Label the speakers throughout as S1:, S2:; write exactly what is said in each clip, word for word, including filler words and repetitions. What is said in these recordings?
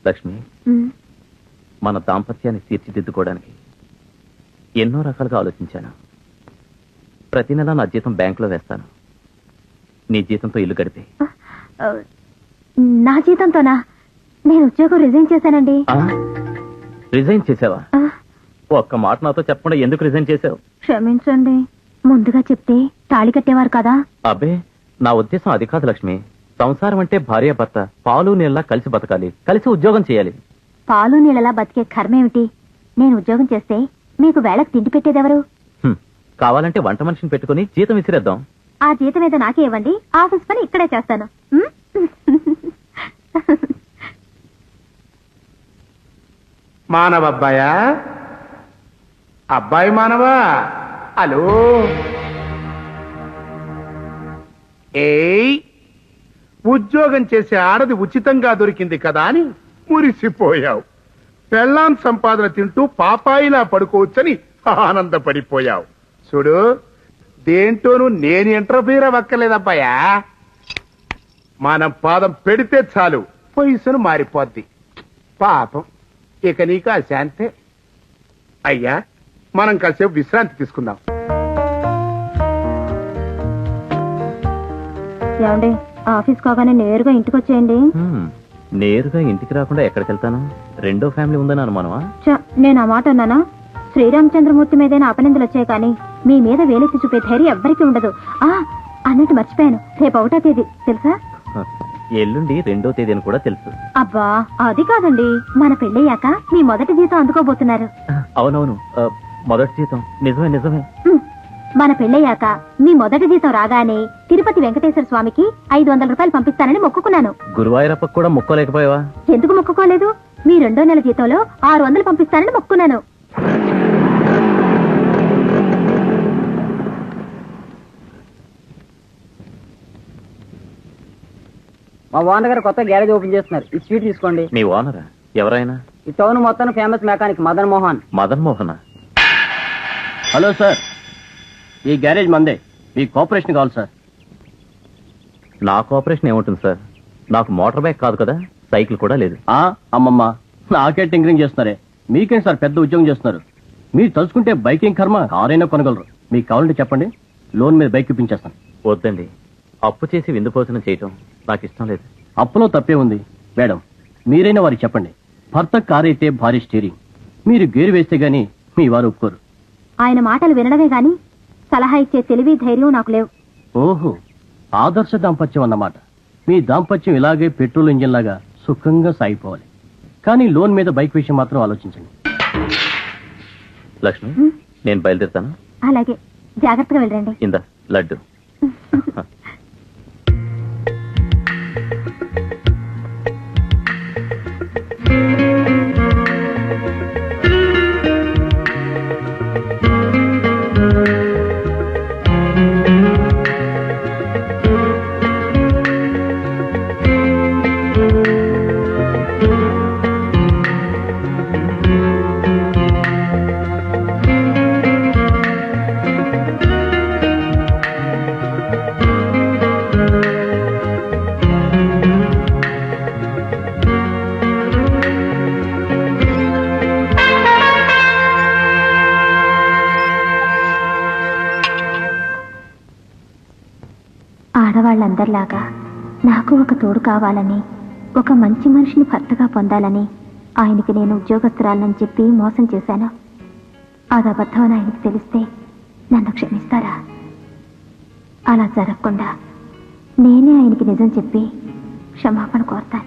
S1: లక్ష్మి, మన దాంపత్యాన్ని తీర్చిదిద్దుకోవడానికి ఎన్నో రకాలుగా ఆలోచించాను. ప్రతి నెల నా జీతం బ్యాంకులో వేస్తాను. నీ జీతంతో ఇల్లు గడిపే.
S2: నా జీతంతోనా? నేను ఉద్యోగం రిజైన్ చేశానండి.
S1: రిజైన్ చేసావా? ఒక్క మాట నాతో చెప్పకుండా ఎందుకు రిజైన్ చేసావు?
S2: క్షమించండి, ముందుగా చెప్తే తాళి కట్టేవారు కదా.
S1: అబ్బే, నా ఉద్దేశం అది కాదు లక్ష్మి. సంసారం అంటే భార్య భర్త పాలు నీళ్ళ కలిసి బతకాలి, కలిసి ఉద్యోగం చేయాలి.
S2: పాలు నీళ్ళలా బతికే కర్మేమిటి? నేను ఉద్యోగం చేస్తే మీకు వేళకు తిండి పెట్టేదెవరు?
S1: కావాలంటే వంట మనిషిని పెట్టుకుని జీతం విసిరేద్దాం.
S2: ఆ జీతం ఏదో నాకే ఇవ్వండి, ఆఫీస్ పని ఇక్కడే చేస్తాను.
S3: మానవ అబ్బాయా? అబ్బాయి మానవా? హలో. ఏయ్, ఉద్యోగం చేసే ఆడది ఉచితంగా దొరికింది కదా అని మురిసిపోయావు. పెళ్ళాం సంపాదన తింటూ పాపాయిలా పడుకోవచ్చని ఆనందపడిపోయావు. చూడు, దేంటోనూ నేను ఇంటర్ఫీర్ అవ్వక్కర్లేదబ్బాయా. మనం పాదం పెడితే చాలు పొజిషన్ మారిపోద్ది. పాపం, ఇక నీకు ఆ శాంతే. అయ్యా, మనం కాసేపు విశ్రాంతి తీసుకుందాం.
S2: ఏమండి, ఆఫీస్ కాగానే నేరుగా ఇంటికి వచ్చేయండి.
S1: నేరుగా ఇంటికి రాకుండా ఎక్కడికి వెళ్తాను? రెండో ఫ్యామిలీ ఉందని అనుమానమా?
S2: నేను ఆ మాట అన్నానా? శ్రీరామచంద్రమూర్తి మీదైనా అపనిందలు వచ్చాయి కానీ మీ మీద వేలెత్తి చూపే ధైర్యం ఎవ్వరికీ ఉండదు. ఆ అన్నట్టు మర్చిపోయాను, రేపు ఒకటో తేదీ తెలుసా?
S1: ఎల్లుండి రెండో తేదీ అని కూడా తెలుసు.
S2: అబ్బా, అది కాదండి, మన పెళ్ళయ్యాక మీ మొదటి జీతం అందుకోబోతున్నారు.
S1: అవునవును, మొదటి జీతం. నిజమే నిజమే.
S2: మన పెళ్ళయ్యాక మీ మొదటి జీతం రాగానే తిరుపతి వెంకటేశ్వర స్వామికి ఐదు వందల రూపాయలు పంపిస్తానని మొక్కుకున్నాను.
S1: గురువాయూరప్పకు కూడా మొక్కలేకపోయావా?
S2: ఎందుకు మొక్కుకోలేదు? మీ రెండో నెల జీతంలో ఆరు వందలు పంపిస్తానని మొక్కున్నాను.
S4: మా ఓనర్ గారు కొత్త గ్యారేజ్ ఓపెన్ చేస్తున్నారు. ఈ స్వీట్ తీసుకోండి.
S1: మీ ఓనరా? ఎవరైనా?
S4: ఈ టౌన్ మొత్తం famous mechanic Madan Mohan.
S1: Madan Mohan?
S5: Hello sir, ఈ గ్యారేజ్ మందే. మీ కోఆపరేషన్ కావాలి సార్.
S1: నా కోఆపరేషన్ ఏముంటుంది సార్? నాకు మోటార్ బైక్ కాదు కదా, సైకిల్ కూడా లేదు.
S5: ఆ అమ్మమ్మ, నాకే టింకరింగ్ చేస్తున్నారే. మీకేం సార్ పెద్ద ఉద్యోగం చేస్తున్నారు. మీరు తలుచుకుంటే బైకింగ్ కర్మ కారైనా కొనగలరు. మీకు కావాలంటే చెప్పండి, లోన్ మీద బైక్ ఇప్పించేస్తాను.
S1: వద్దండి, అప్పు చేసి విందు భోజనం చేయటం నాకు ఇష్టం లేదు.
S5: అప్పులో తప్పే ఉంది మేడం. మీరైనా వారికి చెప్పండి, భర్త కారైతే భారీ స్టీరింగ్. మీరు గేరు వేస్తే గానీ మీ వారు ఒప్పుకోరు.
S2: ఆయన మాటలు వినడమే గాని సలహా ఇచ్చే తెలివి ధైర్యం నాకు లేవు.
S5: ఓహో, ఆదర్శ దాంపత్యం అన్నమాట. మీ దాంపత్యం ఇలాగే పెట్రోల్ ఇంజిన్ లాగా సుఖంగా సాగిపోవాలి. కానీ లోన్ మీద బైక్ విషయం మాత్రం ఆలోచించండి.
S1: లక్ష్మి, నేను బయలుదేరుతాను.
S2: అలాగే, జాగ్రత్తగా వెళ్ళండి.
S1: ఇందా లడ్డు.
S2: ఆడవాళ్ళందరిలాగా నాకు ఒక తోడు కావాలని, ఒక మంచి మనిషిని భర్తగా పొందాలని ఆయనకి నేను ఉద్యోగస్తురాలని చెప్పి మోసం చేశాను. అది అబద్ధం అని ఆయనకి తెలిస్తే నన్ను క్షమిస్తారా? అలా జరగకుండా నేనే ఆయనకి నిజం చెప్పి క్షమాపణ కోరుతాను.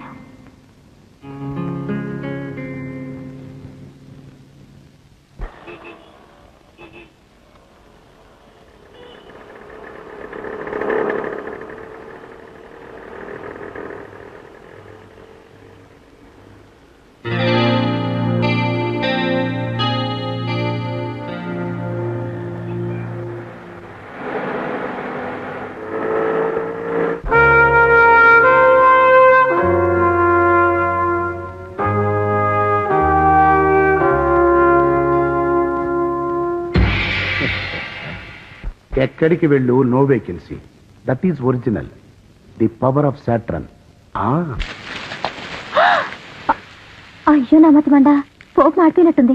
S3: ఎక్కడికి వెళ్ళు, no vacancy. That is original, the power of Saturn.
S2: అయ్యో నా మతి మండ, పోపు మాడిపోయినట్టుంది.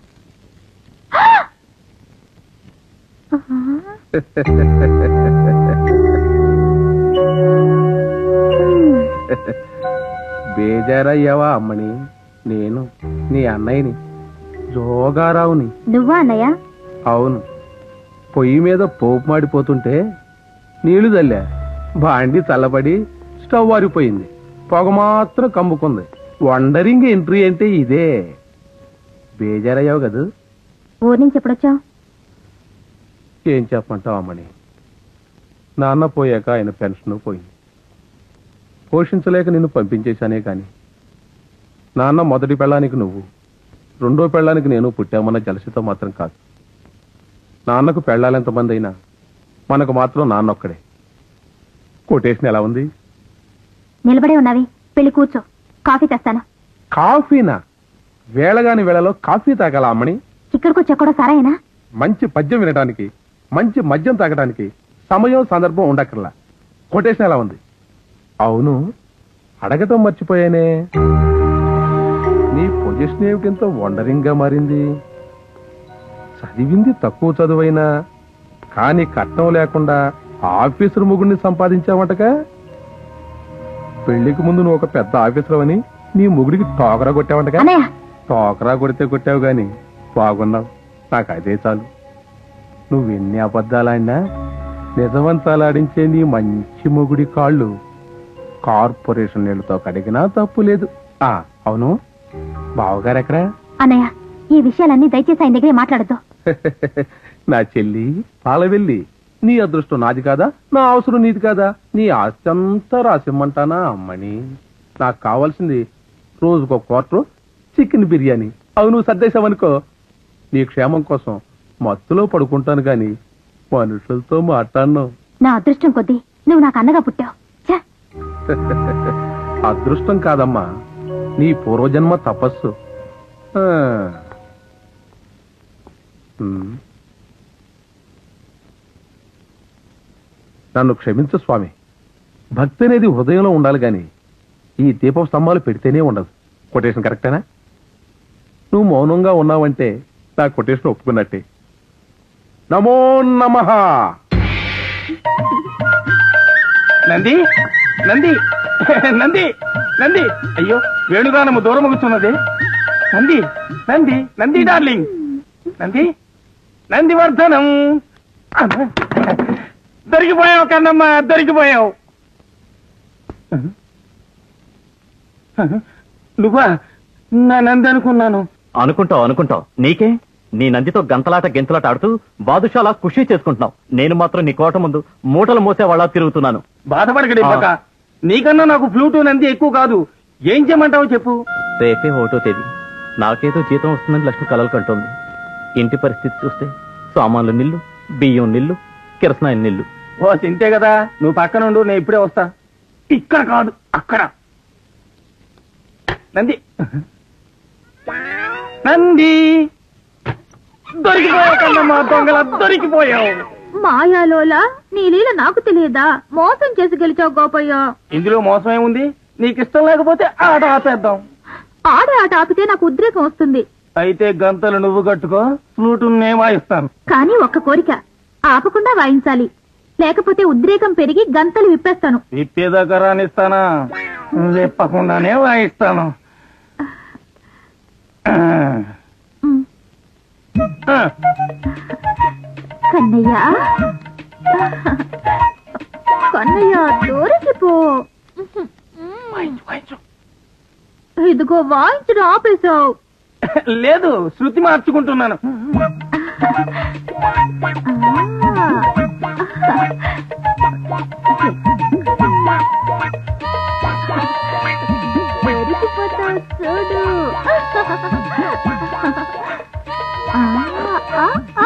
S3: బేజారయ్యావా అమ్మని? నేను నీ అన్నయ్యని, జోగారావుని.
S2: నువ్వా అన్నయ్య?
S3: అవును. పొయ్యి మీద పోపు మాడిపోతుంటే నీళ్లు చల్లా, బాండి చల్లబడి స్టవ్ ఆరిపోయింది, పొగ మాత్రం కమ్ముకుంది. వండరింగ్ ఎంట్రీ అంటే ఇదే. బేజారయ్యావు కదా?
S2: ఊరి నుంచి ఎప్పుడొచ్చావు?
S3: ఏం చెప్పమంటావు అమ్మని, నాన్న పోయాక ఆయన పెన్షన్ పోయింది. పోషించలేక నిన్ను పంపించేశానే కాని నాన్న మొదటి పెళ్ళానికి నువ్వు, రెండో పెళ్ళానికి నేను పుట్టామన్న జలసితో మాత్రం కాదు. నాన్నకు పెళ్ళాలెంతమంది అయినా మనకు మాత్రం నాన్న ఒక్కడే. కొటేషన్ ఎలా ఉంది?
S2: నిలబడే ఉన్నావి, పెళ్లి కూర్చో, కాఫీ తెస్తాను.
S3: కాఫీనా? వేళగాని వేళలో కాఫీ తాగాల అమ్మని?
S2: ఇక్కడికి వచ్చా కూడా సరేనా?
S3: మంచి పద్యం వినడానికి, మంచి మద్యం తాగడానికి సమయం సందర్భం ఉండక్కర్లా. కొటేషన్ ఎలా ఉంది? అవును, అడగటం మర్చిపోయానే, నీ పొజిషన్ ఏమిటింత వండరింగ్ గా మారింది? చదివింది తక్కువ చదువైనా కానీ కట్నం లేకుండా ఆఫీసర్ ముగ్గురిని సంపాదించావటగా. పెళ్లికి ముందు నువ్వు ఒక పెద్ద ఆఫీసర్ అని నీ ముగుడికి టోకరా కొట్టావంటగా.
S2: అన్నయ్య,
S3: టోకరా కొడితే కొట్టావు గాని బాగున్నావు, నాకు అదే చాలు. నువ్వెన్ని అబద్ధాలాడినా నిజవంతాలాడించే నీ మంచి మొగుడి కాళ్ళు కార్పొరేషన్ నీళ్లతో కడిగినా తప్పు లేదు. ఆ అవును, బావగారు ఎక్కడా?
S2: అన్నయ్య, ఈ విషయాలన్నీ దయచేసి ఆయన దగ్గరే మాట్లాడద్దు.
S3: నా చెల్లి పాలవెల్లి, నీ అదృష్టం నాది కాదా, నా అవసరం నీది కాదా? నీ ఆస్తి అంతా రాసిమ్మంటానా అమ్మని? నాకు కావాల్సింది రోజుకో క్వార్టర్ చికెన్ బిర్యానీ. అవి నువ్వు సర్దేశావనుకో నీ క్షేమం కోసం మత్తులో పడుకుంటాను గాని మనుషులతో మాట్లాడను.
S2: నా అదృష్టం కొద్దీ నువ్వు నాకు అన్నగా పుట్టావు. ఛే!
S3: అదృష్టం కాదమ్మా, నీ పూర్వజన్మ తపస్సు. ఆ. ఉమ్. నన్ను క్షమించు స్వామి, భక్తి అనేది హృదయంలో ఉండాలి గాని ఈ దీపం స్తంభాలు పెడితేనే ఉండదు. కొటేషన్ కరెక్టేనా? నువ్వు మౌనంగా ఉన్నావంటే నా కొటేషన్ ఒప్పుకున్నట్టే. నమో నమః.
S6: నంది నంది నంది నంది అయ్యో, వేణుగానము దూరం కూర్చున్నది. నంది నంది నంది డార్లింగ్, నంది నందివర్ధనం. దొరికిపోయావు కన్నమ్మ, దొరికిపోయావు. నువ్వా? నా నంది అనుకున్నాను.
S1: అనుకుంటావు అనుకుంటావు నీకే. నీ నందితో గంతలాట గెంతలాట ఆడుతూ బాదుషాలా ఖుషి చేసుకుంటున్నావు. నేను మాత్రం నీ కోట ముందు మూటలు మోసే వాళ్ళ తిరుగుతున్నాను.
S6: బాధపడకడి పక్క, నీకన్నా నాకు ఫ్లూటు నంది ఎక్కువ కాదు. ఏం చేయమంటావు చెప్పు.
S1: రేపే ఒకటో తేదీ, నాకేదో జీతం వస్తుందని లక్ష్మి కలలు కంటోంది. ఇంటి పరిస్థితి చూస్తే సామాన్లు నిల్లు, బియ్యం నిల్లు, కిరసనాయిల నిల్లు.
S6: ఓ తింటే కదా, నువ్వు పక్కనుండు, నేను ఇప్పుడే వస్తా. ఇక్కడ కాదు, అక్కడ. నంది నంది దొరికిపోయావు కన్నమ్మ, దొంగల దొరికిపోయావు.
S2: మాయాలోలా, నీ లీల నాకు తెలియదా? మోసం చేసి గెలిచావు గోపయ్య.
S6: ఇందులో మోసం ఏముంది? నీకు ఇష్టం లేకపోతే ఆట ఆపేద్దాం.
S2: ఆడే ఆట ఆపితే నాకు ఉద్రేకం వస్తుంది.
S6: అయితే గంతలు నువ్వు కట్టుకో, ఫ్లూటు నేను వాయిస్తాను.
S2: కానీ ఒక్క కోరిక, ఆపకుండా వాయించాలి, లేకపోతే ఉద్రేకం పెరిగి గంతలు విప్పేస్తాను.
S6: విప్పేదాకా రానిస్తానా? విప్పకుండానే వాయిస్తాను.
S2: ఉమ్.
S6: ఆ.
S2: కన్నయ్య, కన్నయ్య దూరికి పో.
S6: వాయించు, వాయించు.
S2: ఇదిగో వాయించడం ఆపేశావు.
S6: లేదు, శృతి మార్చుకుంటున్నాను.
S2: దొరికిపోతావు చూడు. ఆ, ఆ, ఆ.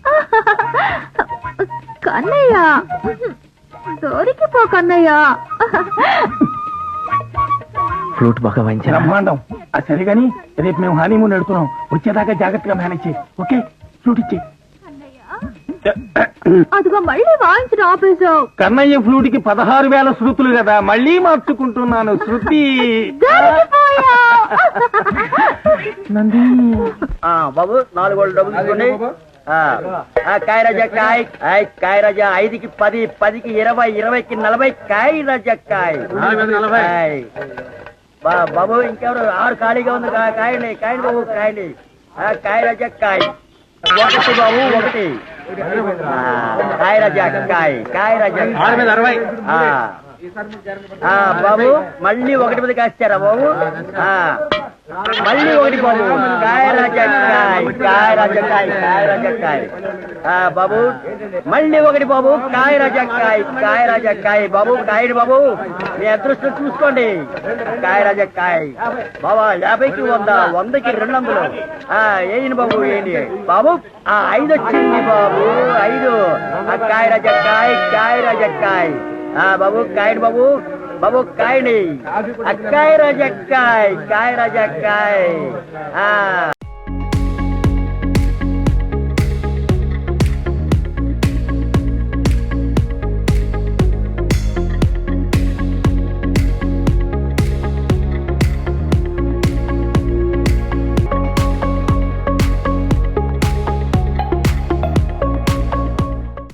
S2: కన్నయ్య, దొరికిపో కన్నయ్య.
S1: ఫ్లూట్ బాగా వాయించారా?
S6: బ్రహ్మాండం. ఆ సరే గాని, రేపు మేము హనీమూన్ వెళ్తున్నాం. వచ్చేదాకా జాగ్రత్తగా మేనేజ్ చేయి. ఓకే, ఫ్లూట్ ఇచ్చి.
S2: అదిగో మళ్ళీ వాయించడం ఆపేశావు.
S6: కన్నయ్య ఫ్లూట్ కి పదహారు వేల శృతులు కదా, మళ్ళీ మార్చుకుంటున్నాను శృతి.
S2: దొరికిపోయావు.
S4: ఆ, బాబు నాలుగు వాళ్ళు డబ్బులు తీసుకోండి ఆ, ఆ, కాయ రాజా కాయ్ ఆయ్, కాయ రాజా ఐదుకి పది పదికి ఇరవై ఇరవైకి నలభై కాయ రాజా కాయ్ ఆయ్. బా- బాబు ఇంకెవరు ఆరు ఖాళీగా ఉంది కా- కాయండి కాయండి బాబు కాయండి ఆ, కాయ రాజా కాయ్ ఒకటి బాబు ఒకటి ఆ, కాయ రాజా కాయ్ కాయ రాజా కాయ్. ఆ. ఆ, బాబు మళ్ళీ ఒకటి మీద కాస్తారా బాబు ఆ, మళ్ళీ ఒకటి బాబు కాయ రాజా కాయ్ కాయ రాజా కాయ్ కాయ రాజా కాయ్. ఆ, బాబు మళ్ళీ ఒకటి బాబు కాయ రాజా కాయ్ కాయ రాజా కాయ్ బాబు కాయని బాబు మీ అదృష్టం చూసుకోండి కాయ రాజా కాయ్ బాబా యాభైకి వంద వందకి రెండు వందలు ఆ, ఏంటి బాబు ఏంటి బాబు ఆ ఐదు వచ్చింది బాబు ఐదు ఆ, కాయ రాజా కాయ్ కాయ రాజా కాయ్. ఆ, బాబు కాయని బాబు బాబు కాయని కాయ రాజా కాయ్ కాయ రాజా కాయ్. ఆ